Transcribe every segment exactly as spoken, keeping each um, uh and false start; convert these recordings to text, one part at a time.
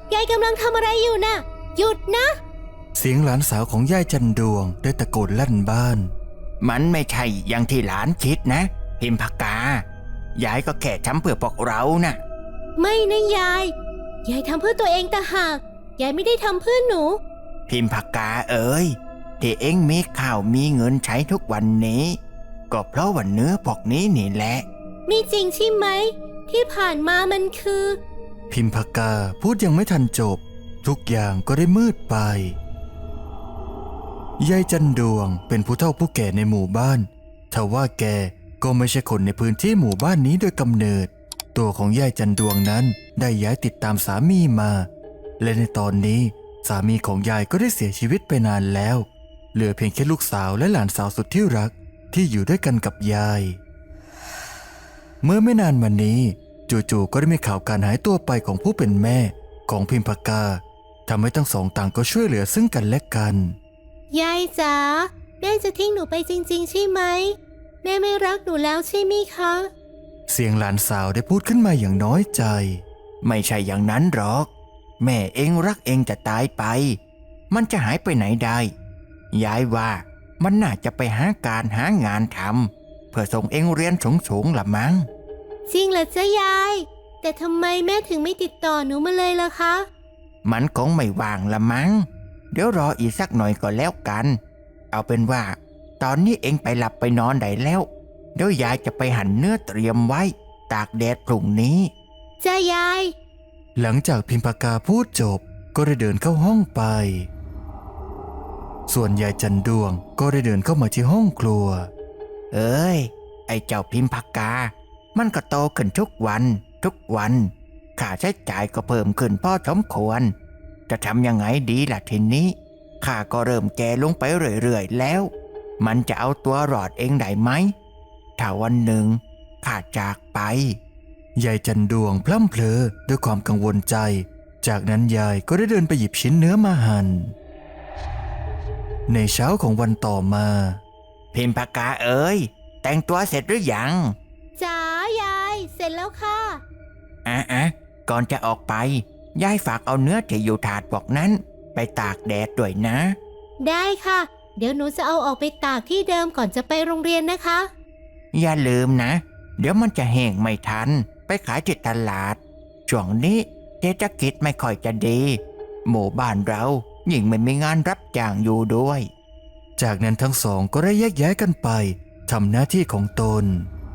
ยายกำลังทำอะไรอยู่น่ะหยุดนะเสียงหลานสาวของยายจันดวงได้ตะโกนลั่นบ้านมันไม่ใช่อย่างที่หลานคิดนะพิมพากายายก็แค่ทำเพื่อพวกเรานะ่ะไม่นะยายยายทำเพื่อตัวเองต่างหากยายไม่ได้ทำเพื่อหนูพิมพากาเอ๋ยที่เอ็งมีข้าวมีเงินใช้ทุกวันนี้ก็เพราะว่าเนื้อพวกนี้นี่แหละมีจริงใช่ไหมที่ผ่านมามันคือพิมพากาพูดยังไม่ทันจบทุกอย่างก็ได้มืดไปยายจันดวงเป็นผู้เฒ่าผู้แก่ในหมู่บ้านทว่าแกก็ไม่ใช่คนในพื้นที่หมู่บ้านนี้โดยกำเนิดตัวของยายจันดวงนั้นได้ย้ายติดตามสามีมาและในตอนนี้สามีของยายก็ได้เสียชีวิตไปนานแล้วเหลือเพียงแค่ลูกสาวและหลานสาวสุดที่รักที่อยู่ด้วยกันกับยายเมื่อไม่นานมานี้จู่ๆก็ได้มีข่าวการหายตัวไปของผู้เป็นแม่ของพิมพากาทำให้ทั้งสองต่างก็ช่วยเหลือซึ่งกันและกันยายจ๋าแม่จะทิ้งหนูไปจริงๆใช่ไหมแม่ไม่รักหนูแล้วใช่ไหมคะเสียงหลานสาวได้พูดขึ้นมาอย่างน้อยใจไม่ใช่อย่างนั้นหรอกแม่เองรักเองจะตายไปมันจะหายไปไหนได้ยายว่ามันน่าจะไปหาการหางานทำเพื่อส่งเองเรียนสูงๆละมั้งจริงเหรอจ๊ะยายแต่ทำไมแม่ถึงไม่ติดต่อหนูมาเลยล่ะคะมันคงไม่ว่างละมั้งเดี๋ยวรออีกสักหน่อยก็แล้วกันเอาเป็นว่าตอนนี้เองไปหลับไปนอนได้แล้วเดี๋ยวยายจะไปหั่นเนื้อเตรียมไว้ตากแดดพรุ่งนี้จ้ายายหลังจากพิมพากาพูดจบก็ได้เดินเข้าห้องไปส่วนยายจันดวงก็ได้เดินเข้ามาที่ห้องครัวเอ้ยไอ้เจ้าพิมพากามันก็โตขึ้นทุกวันทุกวันค่าใช้จ่ายก็เพิ่มขึ้นพอสมควรจะทำยังไงดีล่ะทีนี้ข้าก็เริ่มแก่ลงไปเรื่อยๆแล้วมันจะเอาตัวรอดเองได้ไหมถ้าวันหนึ่งข้าจากไปยายจันดวงพล่ำเพลอด้วยความกังวลใจจากนั้นยายก็ได้เดินไปหยิบชิ้นเนื้อมาหั่นในเช้าของวันต่อมาพิมพากาเอ๋ยแต่งตัวเสร็จหรือยังจ๋ายายเสร็จแล้วค่ะอ่ะอ่ะก่อนจะออกไปยายฝากเอาเนื้อที่อยู่ถาดบอกนั้นไปตากแดดด้วยนะได้ค่ะเดี๋ยวหนูจะเอาออกไปตากที่เดิมก่อนจะไปโรงเรียนนะคะอย่าลืมนะเดี๋ยวมันจะแห้งไม่ทันไปขายที่ตลาดช่วงนี้เศรษฐกิจไม่ค่อยจะดีหมู่บ้านเรายิ่งไม่มีงานรับจ้างอยู่ด้วยจากนั้นทั้งสองก็ได้แยกย้ายกันไปทำหน้าที่ของตน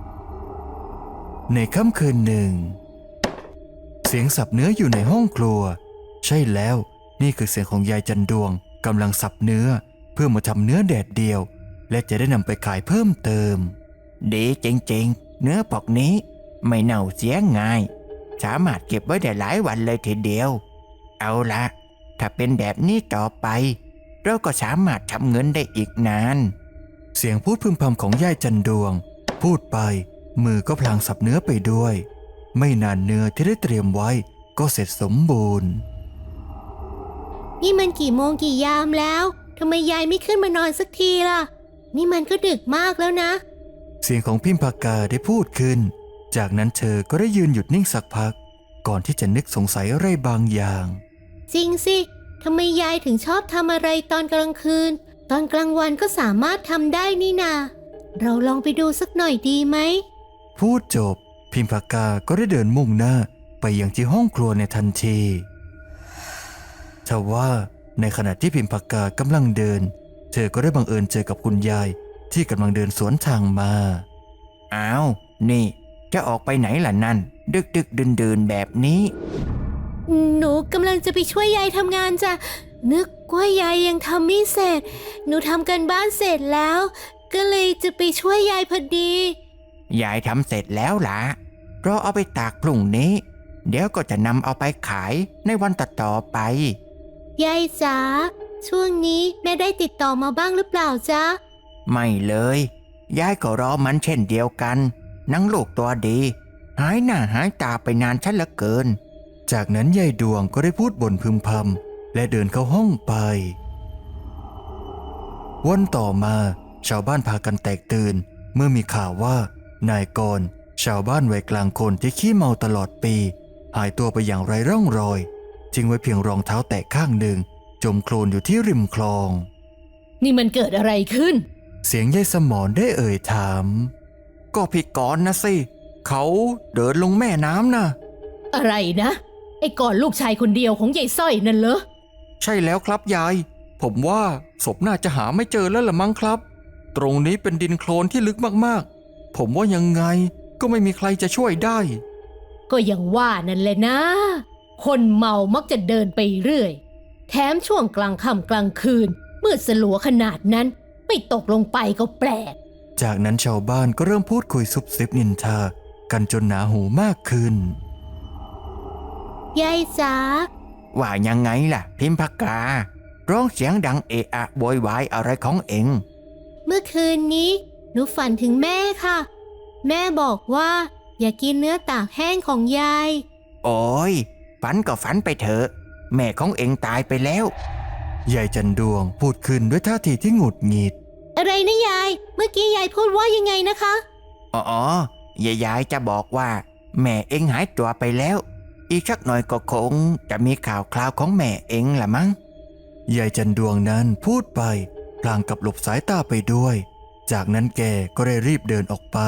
ในค่ำคืนหนึ่งเสียงสับเนื้ออยู่ในห้องครัวใช่แล้วนี่คือเสียงของยายจันดวงกำลังสับเนื้อเพื่อมาทำเนื้อแดดเดียวและจะได้นำไปขายเพิ่มเติมดีจริงๆเนื้อพวกนี้ไม่เน่าเสียง่ายสามารถเก็บไว้ได้หลายวันเลยทีเดียวเอาละถ้าเป็นแบบนี้ต่อไปเราก็สามารถทำเงินได้อีกนานเสียงพูดพึมพำของยายจันดวงพูดไปมือก็พลางสับเนื้อไปด้วยไม่นานเนื้อที่ได้เตรียมไว้ก็เสร็จสมบูรณ์นี่มันกี่โมงกี่ยามแล้วทำไมยายไม่ขึ้นมานอนสักทีล่ะนี่มันก็ดึกมากแล้วนะเสียงของพิมพากาได้พูดขึ้นจากนั้นเธอก็ได้ยืนหยุดนิ่งสักพักก่อนที่จะนึกสงสัยอะไรบางอย่างจริงสิทำไมยายถึงชอบทำอะไรตอนกลางคืนตอนกลางวันก็สามารถทำได้นี่นาเราลองไปดูสักหน่อยดีไหมพูดจบพิมพากาก็ได้เดินมุ่งหน้าไปยังที่ห้องครัวในทันทีทว่าในขณะที่พิมพากากำลังเดินเธอก็ได้บังเอิญเจอกับคุณยายที่กำลังเดินสวนทางมาอ้าวนี่จะออกไปไหนล่ะนั่นดึกดึกเดินเดินแบบนี้หนูกำลังจะไปช่วยยายทำงานจ้ะนึกว่ายายยังทำไม่เสร็จหนูทำกันบ้านเสร็จแล้วก็เลยจะไปช่วยยายพอดียายทำเสร็จแล้วล่ะรอเอาไปตากพรุ่งนี้เดี๋ยวก็จะนำเอาไปขายในวันต่อๆไปยายจ๋าช่วงนี้แม่ได้ติดต่อมาบ้างหรือเปล่าจ๊ะไม่เลยยายก็รอมันเช่นเดียวกันนังลูกตัวดีหายหน้าหายตาไปนานชัดเหลือเกินจากนั้นยายดวงก็ได้พูดบ่นพึมพำและเดินเข้าห้องไปวันต่อมาชาวบ้านพากันแตกตื่นเมื่อมีข่าวว่านายกรชาวบ้านวัยกลางคนที่ขี้เมาตลอดปีหายตัวไปอย่างไร้ร่องรอยทิ้งไว้เพียงรองเท้าแตะข้างหนึ่งจมโคลนอยู่ที่ริมคลองนี่มันเกิดอะไรขึ้นเสียงยายสมรได้เอ่ยถาม ก็พี่กรณ์นะสิเขาเดินลงแม่น้ำนะอะไรนะ ไอ้ก่อนลูกชายคนเดียวของยายสร้อยนั่นเหรอใช่แล้วครับยาย ผมว่าศพน่าจะหาไม่เจอแล้วละมั้งครับ ตรงนี้เป็นดินโคลนที่ลึกมากๆผมว่ายังไงก็ไม่มีใครจะช่วยได้ก็ยังว่านั่นแหละนะ คนเมามักจะเดินไปเรื่อย แถมช่วงกลางค่ำกลางคืนมืดสลัวขนาดนั้นไม่ตกลงไปก็แปลกจากนั้นชาวบ้านก็เริ่มพูดคุยซุบซิบนินทากันจนหนาหูมากขึ้นยายจ๋าว่ายังไงล่ะพิมพากา ร้องเสียงดังเอะอะโวยวายอะไรของเองเมื่อคืนนี้หนูฝันถึงแม่ค่ะ แม่บอกว่าอย่ากินเนื้อตากแห้งของยายโอ้ยฝันก็ฝันไปเถอะแม่ของเองตายไปแล้วยายจันดวงพูดขึ้นด้วยท่าทีที่หงุดหงิดอะไรนะยาย เมื่อกี้ยายพูดว่ายังไงนะคะอ๋อยายยายจะบอกว่าแม่เองหายตัวไปแล้ว อีกสักหน่อยก็คงจะมีข่าวคราวของแม่เองละมั้งยายจันดวงนั้นพูดไปพลางกับหลบสายตาไปด้วย จากนั้นแกก็ได้รีบเดินออกไป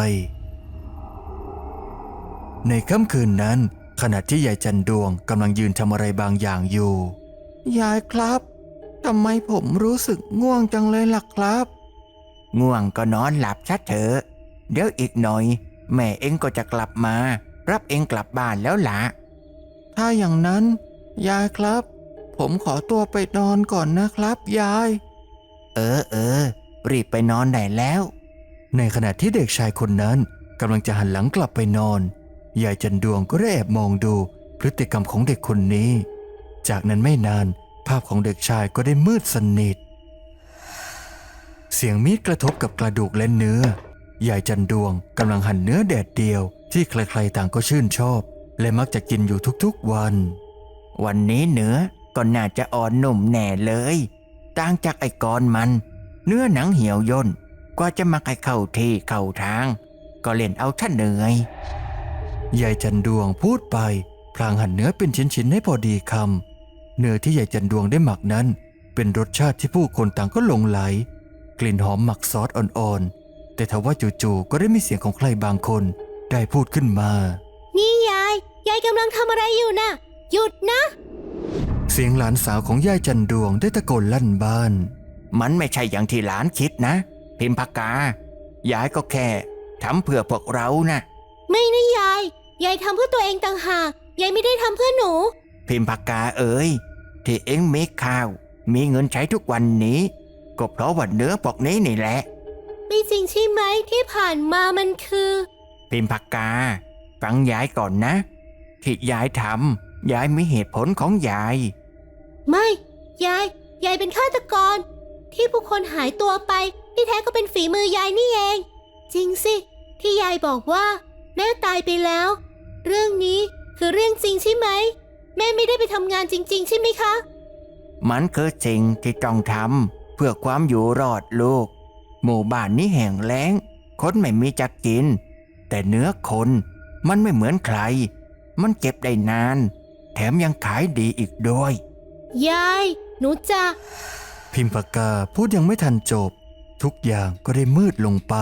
ในค่ำคืนนั้นขณะที่ยายจันดวงกำลังยืนทำอะไรบางอย่างอยู่ยายครับทำไมผมรู้สึกง่วงจังเลยล่ะครับ ง่วงก็นอนหลับชัดเถอะเดี๋ยวอีกหน่อยแม่เองก็จะกลับมา รับเองกลับบ้านแล้วล่ะ ถ้าอย่างนั้นยายครับ ผมขอตัวไปนอนก่อนนะครับยาย เออเออรีบไปนอนได้แล้วในขณะที่เด็กชายคนนั้นกำลังจะหันหลังกลับไปนอนยายจันดวงก็ได้แอบมองดูพฤติกรรมของเด็กคนนี้ จากนั้นไม่นานภาพของเด็กชายก็ได้มืดสนิท เสียงมีดกระทบกับกระดูกและเนื้อยายจันดวงกำลังหั่นเนื้อแดดเดียวที่ใครๆต่างก็ชื่นชอบและมักจะกินอยู่ทุกๆวันวันนี้เนื้อก็น่าจะอ่อนนุ่มแน่เลยต่างจากไอ้กอนมัน เนื้อหนังเหี่ยวย่นกว่าจะมาให้เข้าที่เข้าทาง ก็เล่นเอาท่านเหนื่อยยายจันดวงพูดไปพลางหั่นเนื้อเป็นชิ้นๆให้พอดีคำเนื้อที่ยายจันดวงได้หมักนั้นเป็นรสชาติที่ผู้คนต่างก็หลงไหลกลิ่นหอมหมักซอสอ่อนๆแต่ทว่าจู่ๆก็ได้มีเสียงของใครบางคนได้พูดขึ้นมานี่ยาย ยายกำลังทำอะไรอยู่น่ะ หยุดนะเสียงหลานสาวของยายจันดวงได้ตะโกนลั่นบ้านมันไม่ใช่อย่างที่หลานคิดนะ พิมพากายายก็แค่ทำเพื่อพวกเรานะไม่นะยาย ยายทำเพื่อตัวเองต่างหาก ยายไม่ได้ทำเพื่อหนูพิมพากาเอ๋ยที่เอ็งมีข้าว มีเงินใช้ทุกวันนี้ ก็เพราะว่าเนื้อพวกนี้นี่แหละไม่จริงใช่ไหมที่ผ่านมามันคือพิมพากาฟังยายก่อนนะ ที่ยายทำยายมีเหตุผลของยายไม่ ยาย ยายเป็นฆาตกร ที่ผู้คนหายตัวไปที่แท้ก็เป็นฝีมือยายนี่เอง จริงสิ ที่ยายบอกว่า แม่ตายไปแล้ว เรื่องนี้คือเรื่องจริงใช่ไหม แม่ไม่ได้ไปทำงานจริง ๆ ใช่ไหมคะมันคือสิ่งที่ต้องทำเพื่อความอยู่รอดลูก หมู่บ้านนี้แห้งแล้งคนไม่มีจะกิน แต่เนื้อคนมันไม่เหมือนใคร มันเก็บได้นาน แถมยังขายดีอีกด้วยยาย หนูจะพิมพากาพูดยังไม่ทันจบ ทุกอย่างก็ได้มืดลงไป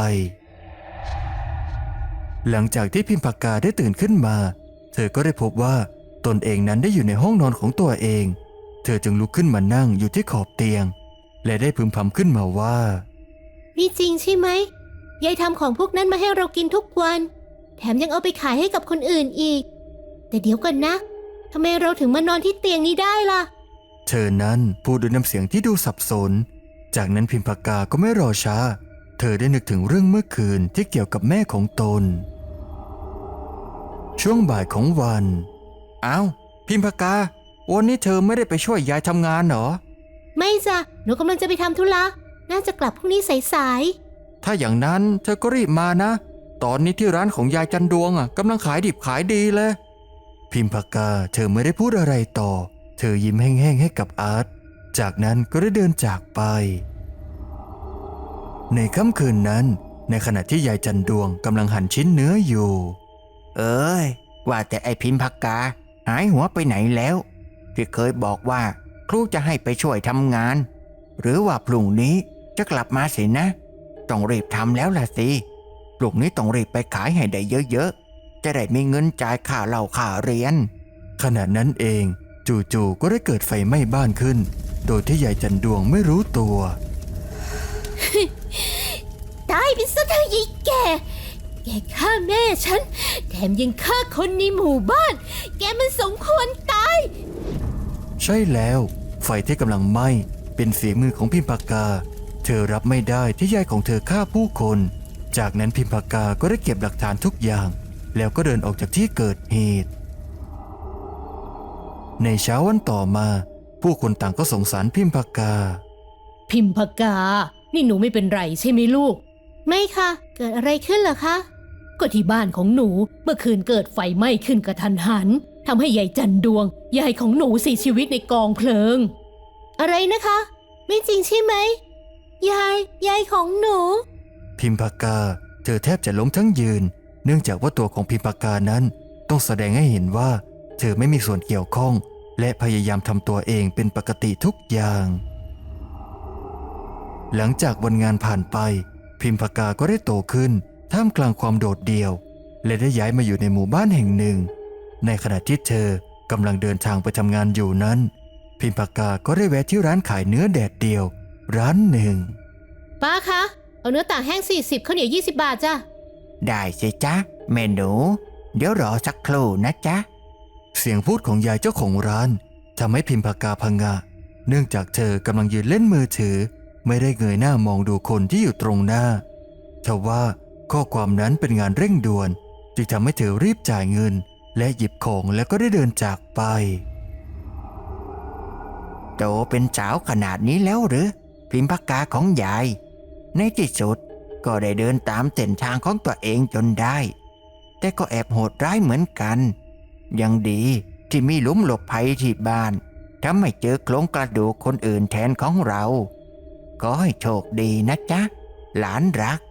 หลังจากที่พิมพากาได้ตื่นขึ้นมา เธอก็ได้พบว่าตนเองนั้นได้อยู่ในห้องนอนของตัวเอง เธอจึงลุกขึ้นมานั่งอยู่ที่ขอบเตียง และได้พึมพำขึ้นมาว่านี่จริงใช่ไหม ยายทำของพวกนั้นมาให้เรากินทุกวัน แถมยังเอาไปขายให้กับคนอื่นอีก แต่เดี๋ยวก่อนนะทำไมเราถึงมานอนที่เตียงนี้ได้ล่ะเธอนั้นพูดด้วยน้ำเสียงที่ดูสับสน จากนั้นพิมพากาก็ไม่รอช้า เธอได้นึกถึงเรื่องเมื่อคืนที่เกี่ยวกับแม่ของตน ช่วงบ่ายของวัน อ้าว พิมพากา วันนี้เธอไม่ได้ไปช่วยยายทำงานเหรอไม่จ้ะ หนูกำลังจะไปทธุระ น่าจะกลับพรุ่งนี้สายถ้าอย่างนั้นเธอก็รีบมานะ ตอนนี้ที่ร้านของยายจันดวงอ่ะกำลังขายดิบขายดีเลย พิมพากาเธอไม่ได้พูดอะไรต่อ เธอยิ้มแห้งๆให้กับอาร์ต จากนั้นก็ได้เดินจากไป ในค่ำคืนนั้น ในขณะที่ยายจันดวงกำลังหั่นชิ้นเนื้ออยู่เอ้ยว่าแต่ไอ้พิมพากาหายหัวไปไหนแล้วที่เคยบอกว่าครูจะให้ไปช่วยทำงาน หรือว่าพรุ่งนี้จะกลับมาสินะต้องรีบทำแล้วล่ะสิพรุ่งนี้ต้องรีบไปขายให้ได้เยอะๆจะได้มีเงินจ่ายค่าเหล้าค่าเรียนขณะนั้นเองจู่ๆก็ได้เกิดไฟไหม้บ้านขึ้น โดยที่ยายจันดวงไม่รู้ตัวตายไปซะเถอะยายแกแกฆ่าแม่ฉันแถมยังฆ่าคนในหมู่บ้าน แกมันสมควรตายใช่แล้วไฟที่กำลังไหม้เป็นฝีมือของพิมพากา เธอรับไม่ได้ที่ยายของเธอฆ่าผู้คน จากนั้นพิมพากาก็ได้เก็บหลักฐานทุกอย่าง แล้วก็เดินออกจากที่เกิดเหตุ ในเช้าวันต่อมา ผู้คนต่างก็สงสารพิมพากาพิมพากา นี่หนูไม่เป็นไรใช่ไหมลูกไม่ค่ะ เกิดอะไรขึ้นเหรอคะก็ที่บ้านของหนูเมื่อคืนเกิดไฟไหม้ขึ้นกระทันหันทำให้ยายจันดวงยายของหนูเสียชีวิตในกองเพลิงอะไรนะคะ ไม่จริงใช่ไหม ยาย ยายของหนูพิมพากาเธอแทบจะล้มทั้งยืน เนื่องจากว่าตัวของพิมพากานั้นต้องแสดงให้เห็นว่า เธอไม่มีส่วนเกี่ยวข้อง และพยายามทำตัวเองเป็นปกติทุกอย่าง หลังจากวันงานผ่านไป พิมพากาก็ได้โตขึ้นท่ามกลางความโดดเดี่ยว และได้ย้ายมาอยู่ในหมู่บ้านแห่งหนึ่ง ในขณะที่เธอกำลังเดินทางไปทำงานอยู่นั้น พิมพากาก็ได้แวะที่ร้านขายเนื้อแดดเดียว ร้านหนึ่งป้าคะ เอาเนื้อต่างแห้งสี่สิบข้าวเหนียวยี่สิบบาทจ้ะได้สิจ๊ะแม่หนูเดี๋ยวรอสักครู่นะจ๊ะเสียงพูดของยายเจ้าของร้านทำให้พิมพากาพังงะ เนื่องจากเธอกำลังยืนเล่นมือถือ ไม่ได้เงยหน้ามองดูคนที่อยู่ตรงหน้าทว่าข้อความนั้นเป็นงานเร่งด่วนจึงทำให้เธอรีบจ่ายเงิน และหยิบของแล้วก็ได้เดินจากไปโตเป็นสาวขนาดนี้แล้วหรือพิมพากาของยาย ในที่สุดก็ได้เดินตามเส้นทางของตัวเองจนได้ แต่ก็แอบโหดร้ายเหมือนกัน ยังดีที่มีหลุมหลบภัยที่บ้านทำให้เจอโครงกระดูกคนอื่นแทนของเรา ก็ให้โชคดีนะจ๊ะ หลานรัก